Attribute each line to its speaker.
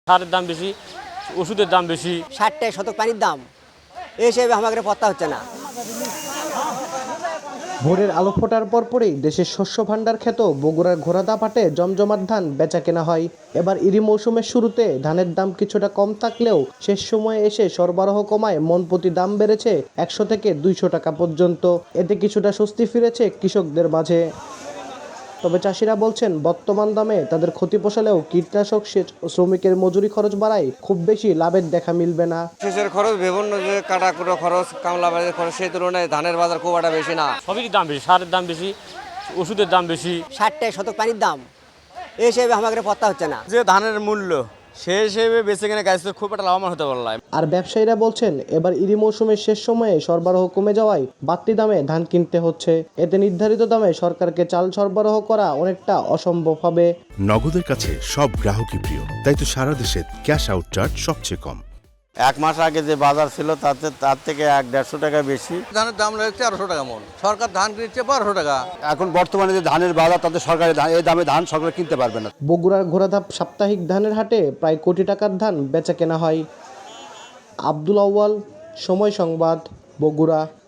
Speaker 1: সারের দাম বেশি, ওষুধের দাম বেশি।
Speaker 2: 60 টাকা শতক পানির দাম, এই হিসেবে আমাদের পত্তা হচ্ছে না।
Speaker 3: ভোরের আলো ফোটার পরপরই দেশের শস্য ভাণ্ডার খ্যাত বগুড়ার ঘোড়াদা হাটে জমজমাট ধান বেচা কেনা হয়। এবার ইরি মৌসুমের শুরুতে ধানের দাম কিছুটা কম থাকলেও শেষ সময়ে এসে সরবরাহ কমায় মন প্রতি দাম বেড়েছে 100 থেকে 200 টাকা পর্যন্ত। এতে কিছুটা স্বস্তি ফিরেছে কৃষকদের মাঝে। তবে চাষিরা বলছেন বর্তমান দামে তাদের ক্ষতি পোষালেও কীটনাশক, সেচ ও শ্রমিকের মজুরি খরচ বাড়ায় খুব বেশি লাভের দেখা মিলবে না।
Speaker 4: সেচের খরচ, বিভিন্ন যে কাটাকুটো খরচ, কামলা বাজার খরচ, সেই তুলনায় ধানের বাজার খুব একটা বেশি না।
Speaker 1: সবেরই দাম বেশি, সারের দাম বেশি, ওষুধের দাম বেশি।
Speaker 2: 60 টাকা শতক পানির দাম, এই হিসেবে আমাদের পত্তা হচ্ছে না।
Speaker 4: যে ধানের মূল্য সেই হিসেবে বেঁচে কিনে গাছ খুব একটা লাভবান হতে পারল।
Speaker 3: আর ব্যবসায়ীরা বলছেন এবার ইরি মৌসুমের শেষ সময়ে সরবরাহ কমে যাওয়ায় বাড়তি দামে ধান কিনতে হচ্ছে। এতে নির্ধারিত দামে সরকারকে চাল সরবরাহ করা অনেকটা অসম্ভব হবে।
Speaker 5: নগদের কাছে সব গ্রাহকই প্রিয়, তাই তো সারা দেশে ক্যাশ আউট চার্জ সবচেয়ে কম।
Speaker 6: এক মাস আগে যে বাজার ছিল তার থেকে 100-150 টাকা বেশি।
Speaker 4: ধানের দাম রয়েছে 1300 টাকা মন, সরকার ধান কিনছে 1200 টাকা।
Speaker 6: এখন বর্তমানে যে ধানের বাজার, তাতে সরকারি ধান, এই দামে ধান সরকার কিনতে পারবে না।
Speaker 3: বগুড়ার ঘোড়াধাপ সাপ্তাহিক ধানের হাটে প্রায় কোটি টাকার ধান বেচা কেনা হয়। আব্দুল আউয়াল, সময় সংবাদ, বগুড়া।